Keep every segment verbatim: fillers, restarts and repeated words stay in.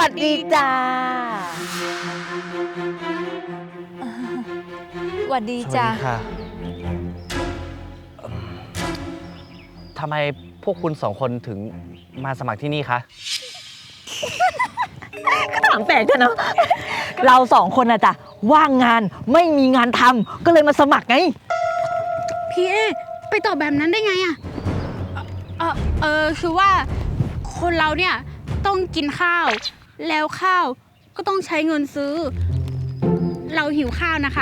สดีจ้าสวัสดีจ้าค่ะทำไมพวกคุณสองคนถึงมาสมัครที่นี่คะก็ถามแปลกจ้ะเนาะเราสองคนอะจ้ะว่างงานไม่มีงานทำก็เลยมาสมัครไงพี่เอไปตอบแบบนั้นได้ไงอะเออเออคือว่าคนเราเนี่ยต้องกินข้าวแล้วข้าวก็ต้องใช้เงินซื้อ เราหิวข้าวนะคะ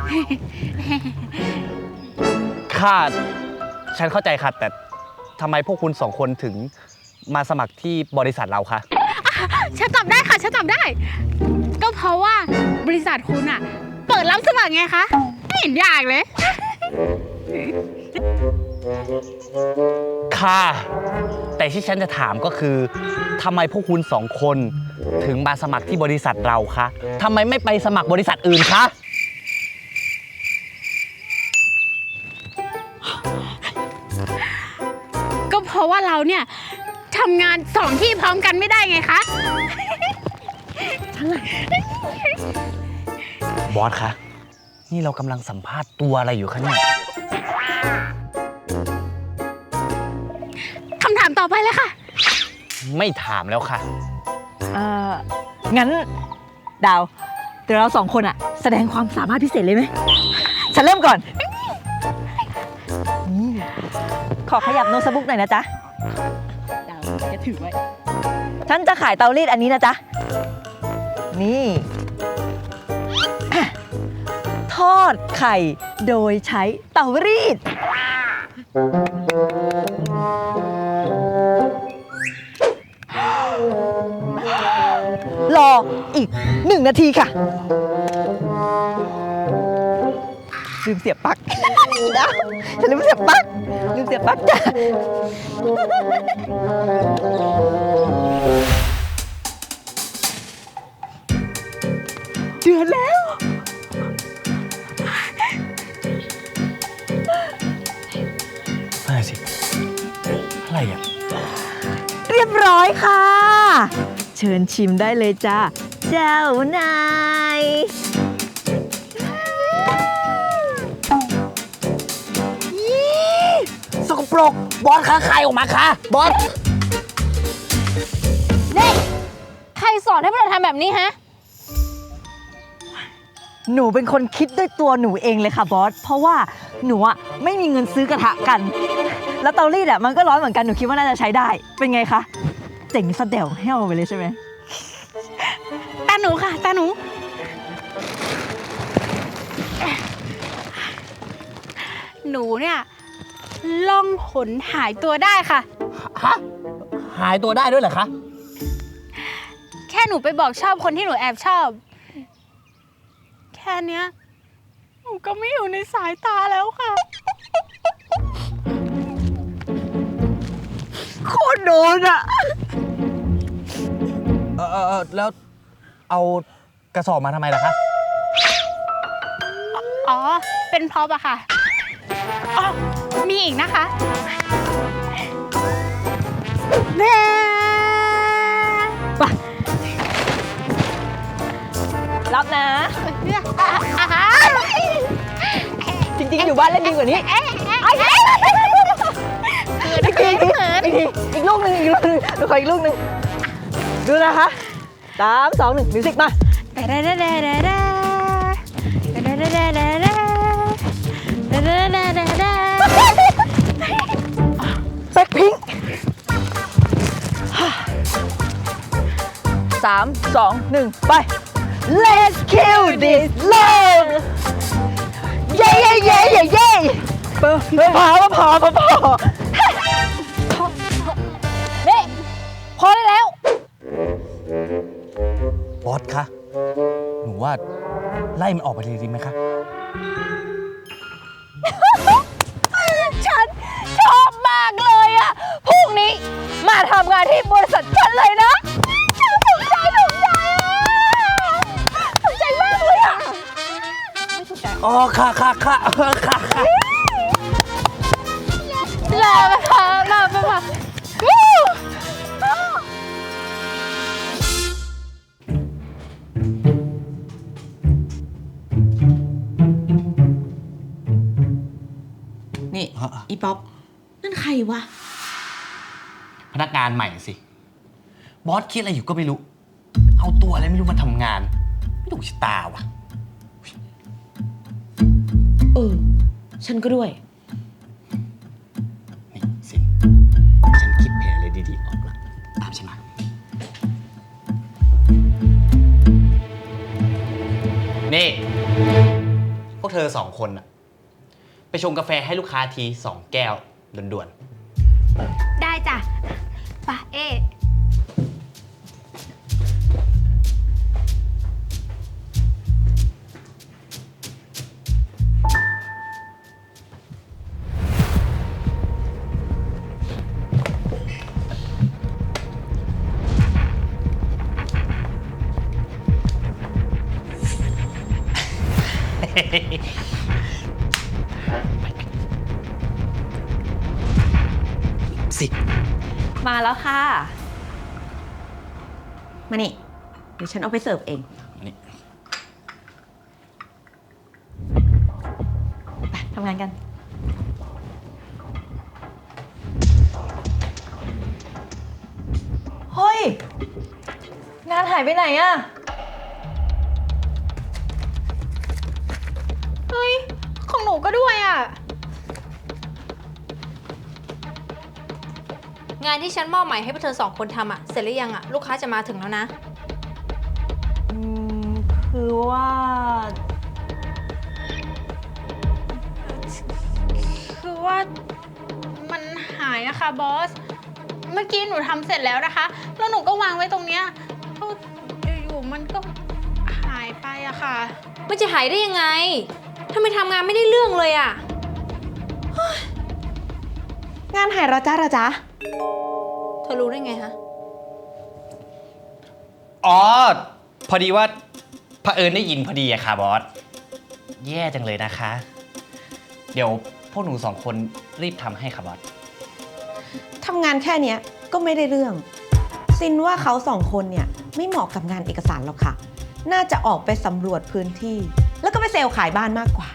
ค่ะ ฉันเข้าใจค่ะ แต่ทำไมพวกคุณสองคนถึงมาสมัครที่บริษัทเราคะฉันตอบได้ค่ะฉันตอบได้ ก็เพราะว่าบริษัทคุณอะเปิดรับสมัครไงคะไม่เห็นยากเลยค่ะ แต่ที่ฉันจะถามก็คือทำไมพวกคุณสองคนถึงมาสมัครที่บริษัทเราคะทำไมไม่ไปสมัครบริษัทอื่นคะก็เพราะว่าเราเนี่ยทำงานสองที่พร้อมกันไม่ได้ไงคะบอสคะ นี่เรากำลังสัมภาษณ์ตัวอะไรอยู่คะเนี่ยคำถามต่อไปเลยค่ะไม่ถามแล้วค่ะเอ่องั้นดาวเดี๋ยวเราสองคนอะแสดงความสามารถพิเศษเลยไหมฉันเริ่มก่อนนี่ขอขยับโน้ตบุ๊กหน่อยนะจ๊ะดาวจะถือไว้ฉันจะขายเตารีดอันนี้นะจ๊ะนี่อ่ะทอดไข่โดยใช้เตารีดรออีกหนึ่งนาทีค่ะลืมเสียบปลั๊กนะฉันลืมเสียบปลั๊กลืมเสียบปลั๊กจ้ะเดือนแล้วอะไรสิ อะไรอ่ะเรียบร้อยค่ะ เชิญชิมได้เลยจ้าเจ้านายสกปรก บอสคะใครออกมาคะ บอสนี่ใครสอนให้พวกเราทำแบบนี้ฮะหนูเป็นคนคิดด้วยตัวหนูเองเลยค่ะบอส เพราะว่าหนูอะไม่มีเงินซื้อกระทะกัน แล้วเตารีดอะมันก็ร้อนเหมือนกัน หนูคิดว่าน่าจะใช้ได้ เป็นไงคะ เจ๋งสะเดี่ยวให้เอาไปเลยใช่ไหมตาหนูค่ะตาหนู หนูเนี่ยล่องหนหายตัวได้ค่ะฮะ หายตัวได้ด้วยเหรอคะแค่หนูไปบอกชอบคนที่หนูแอบชอบ แค่เนี้ยหนูก็ไม่อยู่ในสายตาแล้วค่ะโคตรโดนอะเออเออเออแล้วเอากระสอบมาทำไมล่ะคะอ๋อ เป็นพร็อพอะค่ะ อ๋อ มีอีกนะคะแม่ไปรับนะ จริงๆ อยู่บ้านเล่นดีกว่านี้ไอ้อีกทีอีกทีอีกทีอีกลูกหนึ่งอีกลูกหนึ่งดูขออีกลูกหนึ่งดูนะคะสามสองหนึ่งมิวสิกมาแบ็คพิงค์สามสองหนึ่งไป Let's kill this love เย้เย้เย้เย้เย้พอพอพอพอนี่พอได้แล้วบอสคะ หนูว่าไล่มันออกไปเลยดีไหมคะฉันชอบมากเลยอะพรุ่งนี้มาทำงานที่บริษัทฉันเลยนะฉันถูกใจถูกใจอะถูกใจมากเลยอะไม่ถูกใจอ๋อ ค่ะค่ะค่ะค่ะค่ะลาไปค่ะลาไปค่ะอีป๊อปนั่นใครวะพนักงานใหม่สิ บอสคิดอะไรอยู่ก็ไม่รู้ เอาตัวอะไรไม่รู้มาทำงาน ไม่ถูกชะตาว่ะเออ ฉันก็ด้วยนี่สินฉันคิดแผนอะไรดีๆออกละตามฉันมา นี่ พวกเธอสองคนอะไปชงกาแฟให้ลูกค้าทีสองแก้วด่วนได้จ้ะปะเอ๊ะๆ สิมาแล้วค่ะมานี่ เดี๋ยวฉันเอาไปเสิร์ฟเองนี่ไปทำงานกัน เฮ้ย งานหายไปไหนอะเฮ้ย ของหนูก็ด้วยอ่ะงานที่ฉันมอบหมายให้พวกเธอสองคนทำอะเสร็จหรือยังอะลูกค้าจะมาถึงแล้วนะอืม คือว่าคือว่ามันหายอะค่ะบอส เมื่อกี้หนูทำเสร็จแล้วนะคะ แล้วหนูก็วางไว้ตรงเนี้ยแล้วอยู่ๆมันก็หายไปอะค่ะมันจะหายได้ยังไงทำไมทำงานไม่ได้เรื่องเลยอะงานหายแล้วจ้าละจ๊ะเธอรู้ได้ไงฮะอ๋อ พอดีว่าเผอิญได้ยินพอดีอะค่ะบอส แย่จังเลยนะคะ เดี๋ยวพวกหนูสองคนรีบทำให้ค่ะบอสทำงานแค่เนี้ยก็ไม่ได้เรื่อง ซินว่าเขาสองคนเนี่ยไม่เหมาะกับงานเอกสารหรอกค่ะ น่าจะออกไปสำรวจพื้นที่ แล้วก็ไปเซลล์ขายบ้านมากกว่า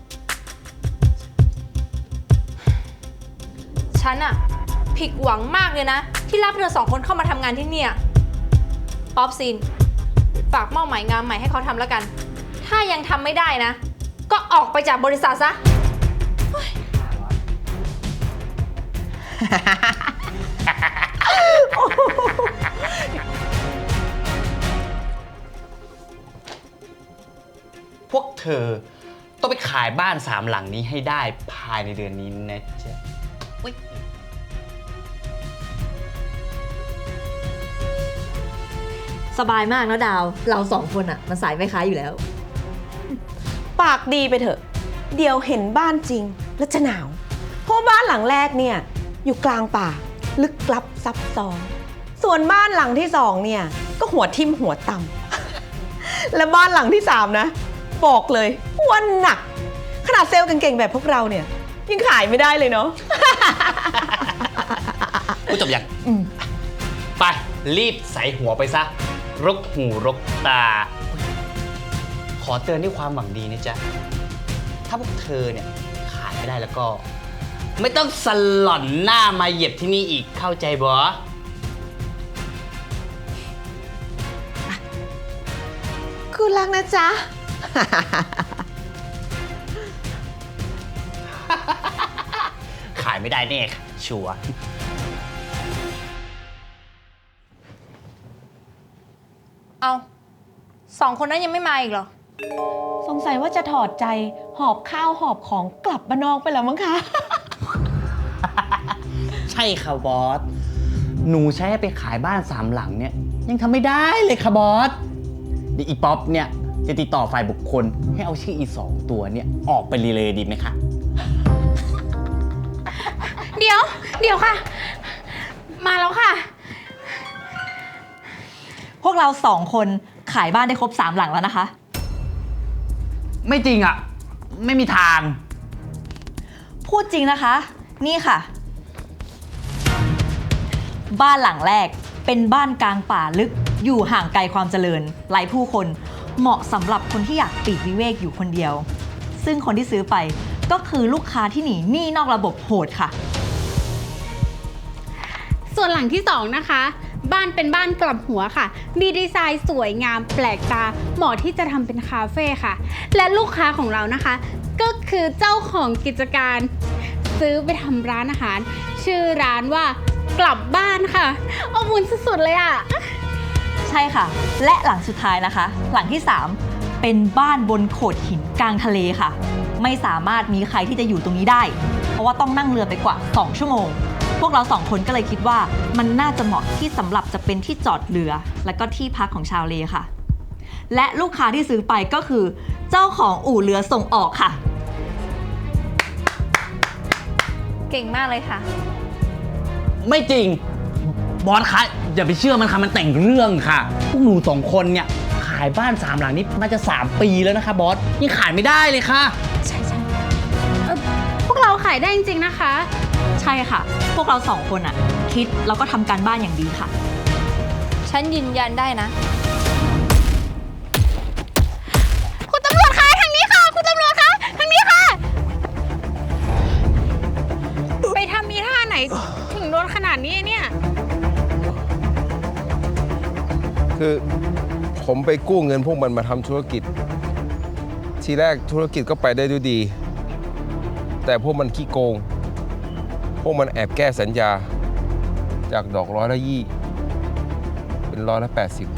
ฉันอะผิดหวังมากเลยนะ ที่รับเธอสองคนเข้ามาทำงานที่เนี่ยป๊อปซิน ฝากมอบหมายงานใหม่ให้เขาทำแล้วกัน ถ้ายังทำไม่ได้นะ ก็ออกไปจากบริษัทซะพวกเธอต้องไปขายบ้านสามหลังนี้ให้ได้ภายในเดือนนี้นะจ๊ะอุ๊ยสบายมากนะดาว เราสองคนอะมันสายไม่ค้าอยู่แล้วปากดีไปเถอะ เดี๋ยวเห็นบ้านจริงแล้วจะหนาว เพราะบ้านหลังแรกเนี่ยอยู่กลางป่า ลึกลับซับซ้อน ส่วนบ้านหลังที่สองเนี่ยก็หัวทิ่มหัวต่ำ และบ้านหลังที่สามนะ บอกเลยว่าหนัก ขนาดเซลล์เก่งๆแบบพวกเราเนี่ยยังขายไม่ได้เลยเนาะพูดจบยังไป รีบใส่หัวไปซะ รกหูรกตา ขอเตือนด้วยความหวังดีนะจ๊ะ ถ้าพวกเธอเนี่ยขายไม่ได้แล้วก็ ไม่ต้องสลอนหน้ามาเหยียบที่นี่อีกเข้าใจบอคุณรักนะจ๊ะขายไม่ได้แน่ค่ะชัวร์เอาสองคนนั้นยังไม่มาอีกเหรอสงสัยว่าจะถอดใจหอบข้าวหอบของกลับบ้านนอกไปแล้วมั้งคะใช่ค่ะบอส หนูใช้ให้ไปขายบ้านสามหลังเนี่ย ยังทำไม่ได้เลยค่ะบอสเดี๋ยวอีป๊อปเนี่ยจะติดต่อฝ่ายบุคคลให้เอาชื่ออีสองตัวเนี่ยออกไปรีเลยดีไหมคะเดี๋ยว เดี๋ยวค่ะ มาแล้วค่ะพวกเราสองคนขายบ้านได้ครบสามหลังแล้วนะคะไม่จริงอ่ะ ไม่มีทางพูดจริงนะคะ นี่ค่ะ บ้านหลังแรกเป็นบ้านกลางป่าลึกอยู่ห่างไกลความเจริญไร้ผู้คนเหมาะสำหรับคนที่อยากปลีกวิเวกอยู่คนเดียว ซึ่งคนที่ซื้อไปก็คือลูกค้าที่หนีหนี้นอกระบบโหดค่ะส่วนหลังที่สองนะคะ บ้านเป็นบ้านกลับหัวค่ะ มีดีไซน์สวยงามแปลกตาเหมาะที่จะทำเป็นคาเฟ่ค่ะ และลูกค้าของเรานะคะ ก็คือเจ้าของกิจการ ซื้อไปทำร้านอาหาร ชื่อร้านว่ากลับบ้านค่ะอบอุ่นสุดๆเลยอะใช่ค่ะ และหลังสุดท้ายนะคะ หลังที่สามเป็นบ้านบนโขดหินกลางทะเลค่ะ ไม่สามารถมีใครที่จะอยู่ตรงนี้ได้ เพราะว่าต้องนั่งเรือไปกว่าสองชั่วโมง พวกเราสองคนก็เลยคิดว่ามันน่าจะเหมาะที่สำหรับจะเป็นที่จอดเรือ และก็ที่พักของชาวเลค่ะ และลูกค้าที่ซื้อไปก็คือเจ้าของอู่เรือส่งออกค่ะเก่งมากเลยค่ะไม่จริง บอสคะอย่าไปเชื่อมันค่ะมันแต่งเรื่องค่ะ พวกหนูสองคนเนี่ยขายบ้านสามหลังนี้น่าจะสามปีแล้วนะคะบอสยังขายไม่ได้เลยค่ะใช่ใช่พวกเราขายได้จริงๆนะคะใช่ค่ะ พวกเราสองคนอะคิดแล้วก็ทำการบ้านอย่างดีค่ะฉันยืนยันได้นะคุณตำรวจคะทางนี้ค่ะ คุณตำรวจคะทางนี้ค่ะ ไปทำมีท่าไหนถึงโดนขนาดนี้เนี่ยคือผมไปกู้เงินพวกมันมาทำธุรกิจ ทีแรกธุรกิจก็ไปได้ด้วยดี แต่พวกมันขี้โกง พวกมันแอบแก้สัญญา จากดอกร้อยละยี่ เป็นร้อยละแปดสิบ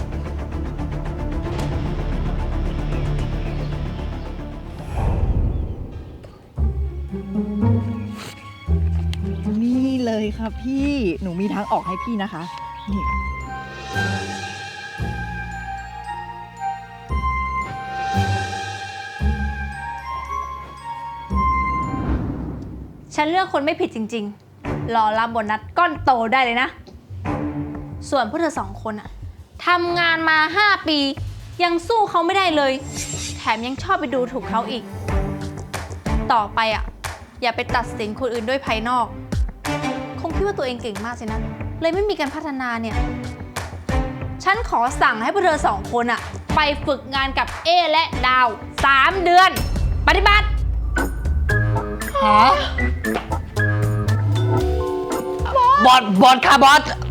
นี่เลยค่ะพี่ หนูมีทางออกให้พี่นะคะ นี่ฉันเลือกคนไม่ผิดจริงๆ รอรับโบนัสก้อนโตได้เลยนะ ส่วนพวกเธอสองคนอะทำงานมาห้าปี ยังสู้เขาไม่ได้เลย แถมยังชอบไปดูถูกเขาอีก ต่อไปอะอย่าไปตัดสินคนอื่นด้วยภายนอก คงคิดว่าตัวเองเก่งมากสินะ เลยไม่มีการพัฒนาเนี่ย ฉันขอสั่งให้พวกเธอสองคนอะไปฝึกงานกับเอและดาวสามเดือน ปฏิบัติบอส บอสค่ะบอส